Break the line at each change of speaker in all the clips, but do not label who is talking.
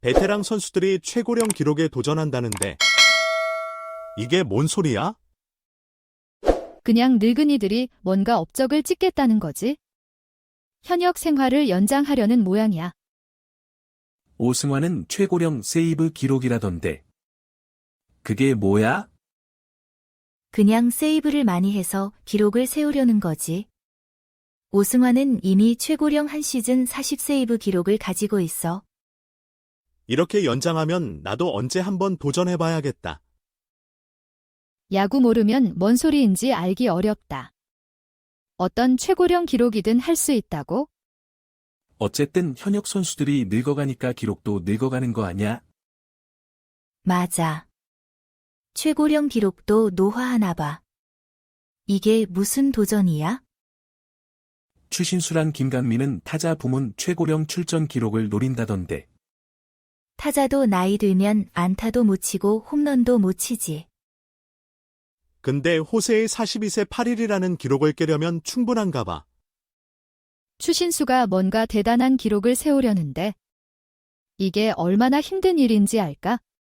베테랑 선수들이 최고령 기록에 도전한다는데 이게 뭔 소리야?
그냥 늙은이들이 뭔가 업적을 찍겠다는 거지. 현역 생활을 연장하려는 모양이야.
오승환은 최고령 세이브 기록이라던데. 그게 뭐야?
그냥 세이브를 많이 해서 기록을 세우려는 거지. 오승환은 이미 최고령 한 시즌 40세이브 기록을 가지고 있어.
이렇게 연장하면 나도 언제 한번 도전해봐야겠다.
야구 모르면 뭔 소리인지 알기 어렵다. 어떤 최고령 기록이든 할 수 있다고?
어쨌든 현역 선수들이 늙어가니까 기록도 늙어가는 거 아냐?
맞아. 최고령 기록도 노화하나 봐. 이게 무슨 도전이야?
추신수랑 김강민은 타자 부문 최고령 출전 기록을 노린다던데.
타자도 나이 들면 안타도 못 치고 홈런도 못 치지.
근데 호세의 42세 8일이라는 기록을 깨려면 충분한가 봐.
추신수가 뭔가 대단한 기록을 세우려는데 이게 얼마나 힘든 일인지 알까?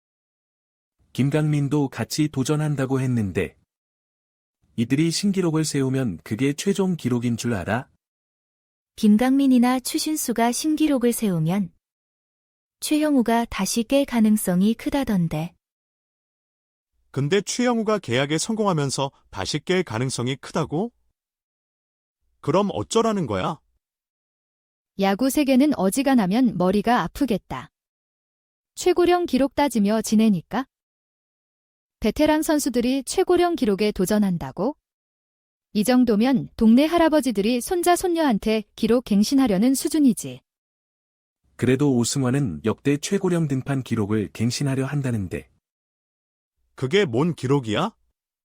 김강민도 같이 도전한다고 했는데. 이들이 신기록을 세우면 그게 최종 기록인 줄 알아?
김강민이나 추신수가 신기록을 세우면 최형우가 다시 깰 가능성이 크다던데.
근데 최영우가 계약에 성공하면서 다시 깰 가능성이 크다고? 그럼 어쩌라는 거야?
야구 세계는 어지간하면 머리가 아프겠다. 최고령 기록 따지며 지내니까? 베테랑 선수들이 최고령 기록에 도전한다고? 이 정도면 동네 할아버지들이 손자 손녀한테 기록 갱신하려는 수준이지.
그래도 오승환은 역대 최고령 등판 기록을 갱신하려 한다는데.
그게 뭔 기록이야?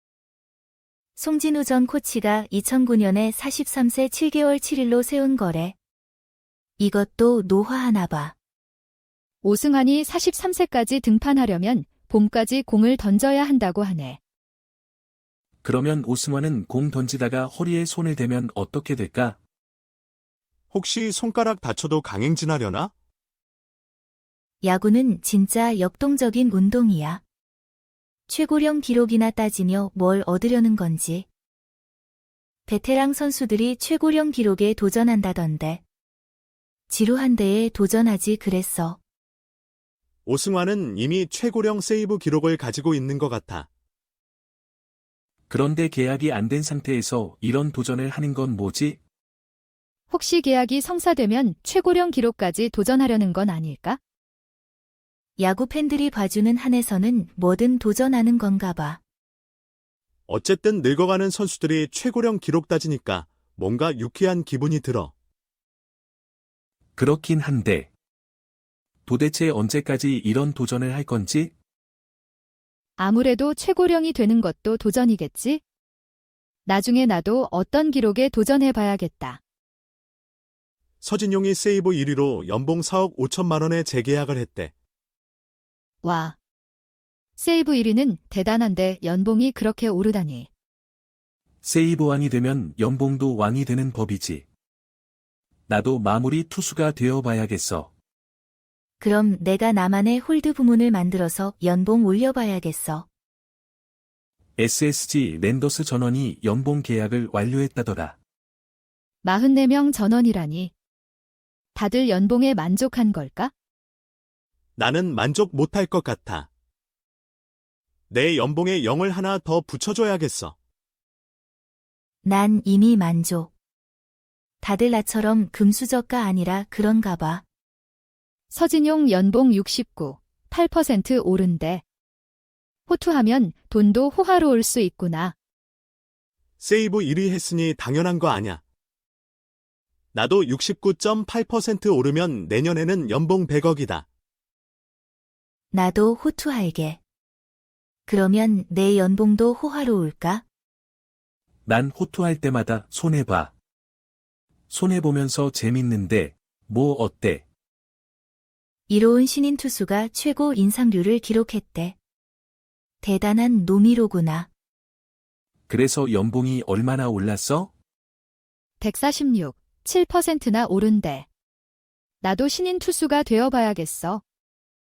송진우 전 코치가 2009년에 43세 7개월 7일로 세운 거래. 이것도 노화하나 봐.
오승환이 43세까지 등판하려면 봄까지 공을 던져야 한다고 하네.
그러면 오승환은 공 던지다가 허리에 손을 대면 어떻게 될까?
혹시 손가락 다쳐도 강행진하려나?
야구는 진짜 역동적인 운동이야. 최고령 기록이나 따지며 뭘 얻으려는 건지. 베테랑 선수들이 최고령 기록에 도전한다던데. 지루한 데에 도전하지 그랬어.
오승환은 이미 최고령 세이브 기록을 가지고 있는 것 같아.
그런데 계약이 안 된 상태에서 이런 도전을 하는 건 뭐지?
혹시 계약이 성사되면 최고령 기록까지 도전하려는 건 아닐까?
야구 팬들이 봐주는 한에서는 뭐든 도전하는 건가 봐.
어쨌든 늙어가는 선수들이 최고령 기록 따지니까 뭔가 유쾌한 기분이 들어.
그렇긴 한데. 도대체 언제까지 이런 도전을 할 건지?
아무래도 최고령이 되는 것도 도전이겠지? 나중에 나도 어떤 기록에 도전해봐야겠다.
서진용이 세이브 1위로 연봉 4억 5천만 원에 재계약을 했대.
와. 세이브 1위는 대단한데 연봉이 그렇게 오르다니.
세이브 왕이 되면 연봉도 왕이 되는 법이지. 나도 마무리 투수가 되어봐야겠어.
그럼 내가 나만의 홀드 부문을 만들어서 연봉 올려봐야겠어.
SSG 랜더스 전원이 연봉 계약을 완료했다더라.
44명 전원이라니. 다들 연봉에 만족한 걸까?
나는 만족 못할 것 같아. 내 연봉에 0을 하나 더 붙여줘야겠어.
난 이미 만족. 다들 나처럼 금수저가 아니라 그런가 봐.
서진용 연봉 69.8% 오른대. 호투하면 돈도 호화로울 수 있구나.
세이브 1위 했으니 당연한 거 아냐. 나도 69.8% 오르면 내년에는 연봉 100억이다.
나도 호투할게. 그러면 내 연봉도 호화로울까?
난 호투할 때마다 손해봐. 손해보면서 재밌는데, 뭐 어때?
이로운 신인 투수가 최고 인상률을 기록했대. 대단한 노미로구나.
그래서 연봉이 얼마나 올랐어?
146.7%나 오른대. 나도 신인 투수가 되어봐야겠어.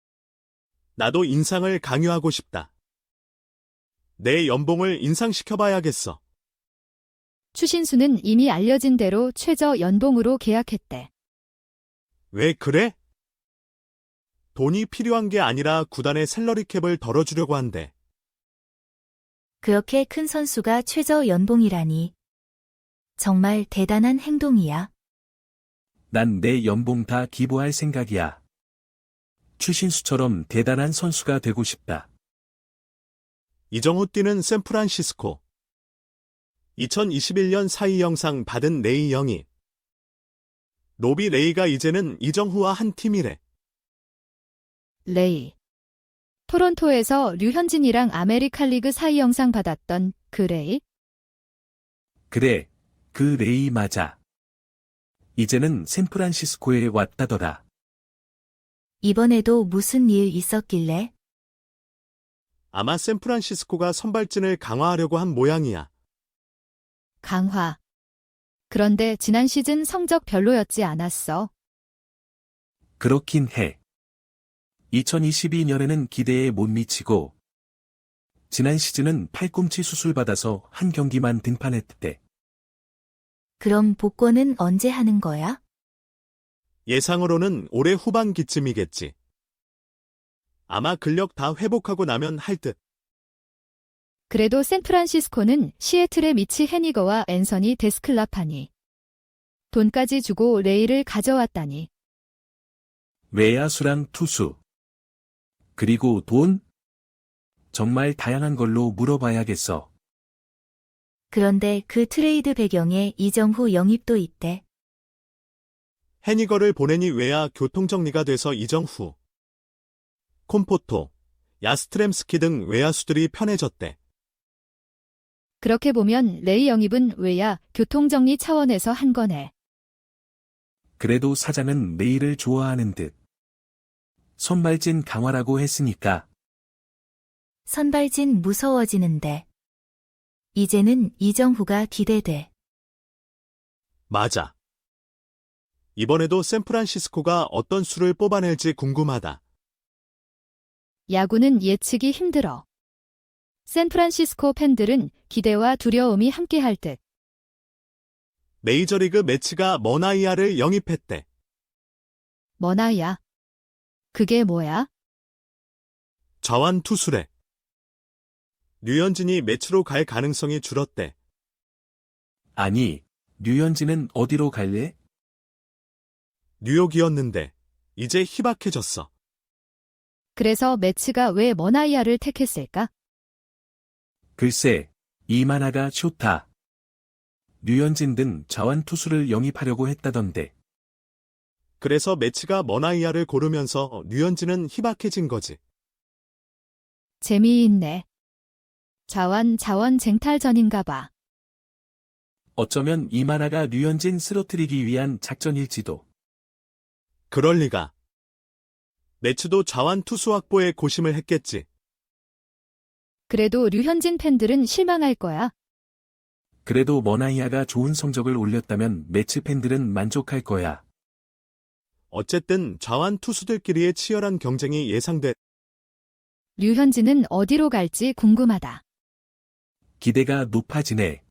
나도 인상을 강요하고 싶다. 내 연봉을 인상시켜봐야겠어.
추신수는 이미 알려진 대로 최저 연봉으로 계약했대.
왜 그래? 돈이 필요한 게 아니라 구단의 샐러리 캡을 덜어주려고 한대.
그렇게 큰 선수가 최저 연봉이라니. 정말 대단한 행동이야.
난 내 연봉 다 기부할 생각이야. 추신수처럼 대단한 선수가 되고 싶다.
이정후 뛰는 샌프란시스코. 2021년 사이 영상 받은 레이 영희. 로비 레이가 이제는 이정후와 한 팀이래.
레이. 토론토에서 류현진이랑 아메리칸 리그 사이 영상 받았던 그 레이?
그래, 그 레이 맞아. 이제는 샌프란시스코에 왔다더라.
이번에도 무슨 일 있었길래?
아마 샌프란시스코가 선발진을 강화하려고 한 모양이야.
강화. 그런데 지난 시즌 성적 별로였지 않았어.
그렇긴 해. 2022년에는 기대에 못 미치고, 지난 시즌은 팔꿈치 수술받아서 한 경기만 등판했대.
그럼 복권은 언제 하는 거야?
예상으로는 올해 후반기쯤이겠지. 아마 근력 다 회복하고 나면 할 듯.
그래도 샌프란시스코는 시애틀의 미치 해니거와 앤서니 데스클라파니. 돈까지 주고 레이를 가져왔다니.
외야수랑 투수. 그리고 돈? 정말 다양한 걸로 물어봐야겠어.
그런데 그 트레이드 배경에 이정후 영입도 있대.
해니거를 보내니 외야 교통정리가 돼서 이정후, 콤포토, 야스트렘스키 등 외야수들이 편해졌대.
그렇게 보면 레이 영입은 외야 교통정리 차원에서 한 거네.
그래도 사장은 레이를 좋아하는 듯. 선발진 강화라고 했으니까.
선발진 무서워지는데. 이제는 이정후가 기대돼.
맞아. 이번에도 샌프란시스코가 어떤 수를 뽑아낼지 궁금하다.
야구는 예측이 힘들어. 샌프란시스코 팬들은 기대와 두려움이 함께할 듯.
메이저리그 매치가 머나이아를 영입했대.
머나야. 그게 뭐야?
좌완 투수래. 류현진이 매치로 갈 가능성이 줄었대.
아니, 류현진은 어디로 갈래?
뉴욕이었는데 이제 희박해졌어.
그래서 매치가 왜 머나이아를 택했을까?
글쎄, 이만하가 좋다. 류현진 등 좌완 투수를 영입하려고 했다던데.
그래서 매치가 머나이아를 고르면서 류현진은 희박해진 거지.
재미있네. 자원 쟁탈전인가 봐.
어쩌면 이만하가 류현진 쓰러뜨리기 위한 작전일지도.
그럴 리가. 매치도 좌완 투수 확보에 고심을 했겠지.
그래도 류현진 팬들은 실망할 거야.
그래도 머나이아가 좋은 성적을 올렸다면 매치 팬들은 만족할 거야.
어쨌든 좌완 투수들끼리의 치열한 경쟁이 예상돼.
류현진은 어디로 갈지 궁금하다.
기대가 높아지네.